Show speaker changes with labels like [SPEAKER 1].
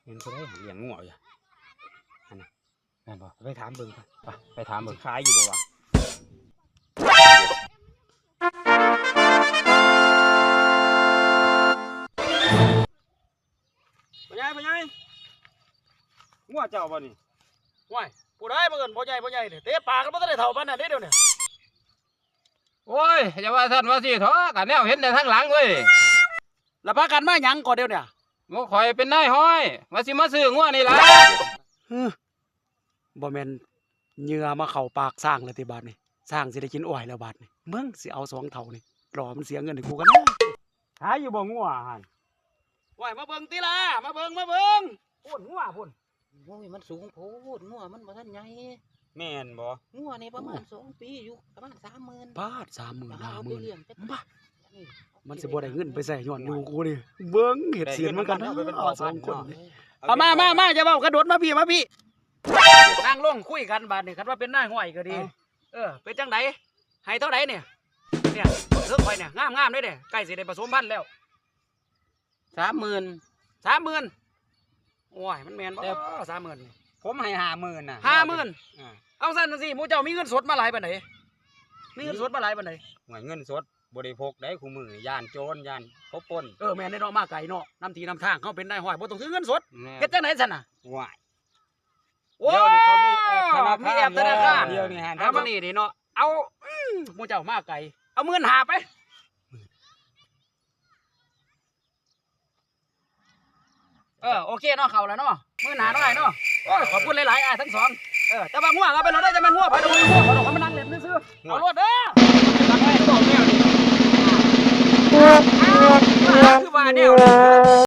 [SPEAKER 1] เห็นคนได้เลี้ยงงัวอยู่อันน่ะแม่นบ่ไปถามเบิ่งไปถามเบิ่งขายอยู่บ่วะพ่อใหญ่งัวเจ้าบ่นี่
[SPEAKER 2] ว้ายผู้ใดบ่เอิ้นบ่ใหญ่นี่เตะปากกันบ่ทันได้เท่าปานนั้นเด้เดี๋ยวนี้
[SPEAKER 3] โอ้ยอย่าว่าท่านว่าสิท้อกันแนวเห็นแต่ทางหลังเว้ย
[SPEAKER 2] แล้วพากันมาหยังก่อนเดี๋ยวเนี่ย
[SPEAKER 3] งูข่อยเป็นนายห้อยว่าสิมาซื้องัวนี่ล่ะ
[SPEAKER 2] บ่แม่นเหยื่อมาเข้าปากสร้างเลยติบาดนี่สร้างสิได้กินอ้อยแล้วบาดนี่มึงสิเอา2เท่านี่รอมันเสียเงินให้กูกันนะ
[SPEAKER 1] ขายอยู่บ่งัวหั่น
[SPEAKER 2] ว้ายมาเบิ่งติล่ะมาเบิ่งพูดงัวพุ่น
[SPEAKER 4] โอ้ยมันสูงโพดงัวมันบ่ทันใหญ่
[SPEAKER 1] แม่นบ่
[SPEAKER 4] งัวนี่ประมาณ2 ปีอยู่ประมาณ 30,000
[SPEAKER 2] บาท 30,000
[SPEAKER 4] เอาไปเลี้ยง
[SPEAKER 2] 50,000บ้ามันสิบ่ได้เงินไปใส่ย้อนอยู่กูนี่เบิ่งเฮ็ดเสียนเหมือนกันนะ2คนเอามาจะเว้ากระโดดมาพี่นั่งลงคุยกันบาดนี่คันว่าเป็นนายห้อยก็ดีเป็นจังไดให้เท่าใดเนี่ยเรื่องข่อยเนี่ยงามๆเด้เด้ใกล้สิได้ผสมพันธุ์แล้ว
[SPEAKER 4] 30,000
[SPEAKER 2] โอ้ยมันแม่นบ่30,000นี่
[SPEAKER 1] ผมให้50,000น่ะ
[SPEAKER 2] 50,000เอาซั่นสิหมู่เจ้ามีเงินสดมาหลายปานใดมีเงินสดมาหลายปานใด
[SPEAKER 1] หวยเงินสดบ่ได้พกได้คู่มือย่านโจรย่านเขาปล้น
[SPEAKER 2] แม่นได้เนาะมาไกลเนาะนำทีนำทางเขาเป็นนายห้อยบ่ต้องถือเงินสด
[SPEAKER 1] แม่
[SPEAKER 2] เฮ็ดจังได๋ซั่นน่ะ
[SPEAKER 1] ว้าย
[SPEAKER 2] โอ้
[SPEAKER 1] เดี๋ยวนี้เขามีแอปธนาคาร
[SPEAKER 2] มีแอปธนาคาร
[SPEAKER 1] เดี๋ยวนี้ฮะ
[SPEAKER 2] เอามานี่เนาะเอาหมู่เจ้ามาไกลเอา15,000ไปโอเคเนาะเข้าแล้วเนาะ15,000เนาะเนาะโอ้ยขอบคุณหลายๆทั้งสองแต่ว่างัวเอาไปเราได้จะเป็นงัวไปดูงัวเขามานั่งเล่นซื่อๆเอารถเด้อคือว่าแนว